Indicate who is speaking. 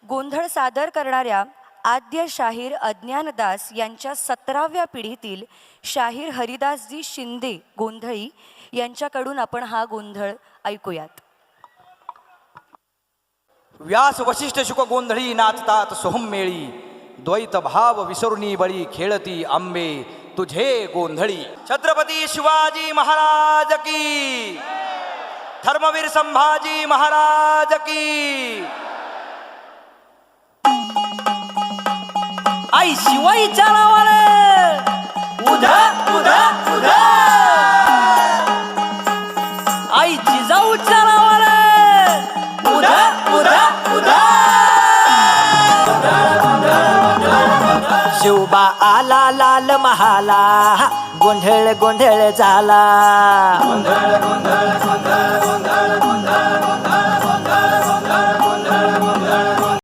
Speaker 1: गोंधळ सादर करणाऱ्या आद्य शाहीर अज्ञानदास यांच्या 17व्या पिढीतील शाहीर हरिदासजी शिंदे गोंधळी यांच्याकडून आपण हा गोंधळ ऐकूयात.
Speaker 2: व्यास वशिष्ठ शुक गोंधळी नाचतात सोहमेळी, द्वैत भाव विसरुनी बळी खेळती आंबे तुझे गोंधळी. छत्रपती शिवाजी महाराज की, धर्मवीर संभाजी महाराज की.
Speaker 3: आई शिवाईच्या नावाने उधा उधा उधा, आई जिजाऊच्या नावाने उधा उधा उधा. शिवबा आला लाल महाला, गोंधळ गोंधळ झाला. गोंधळ गोंधळ गोंधळ गोंधळ गोंधळ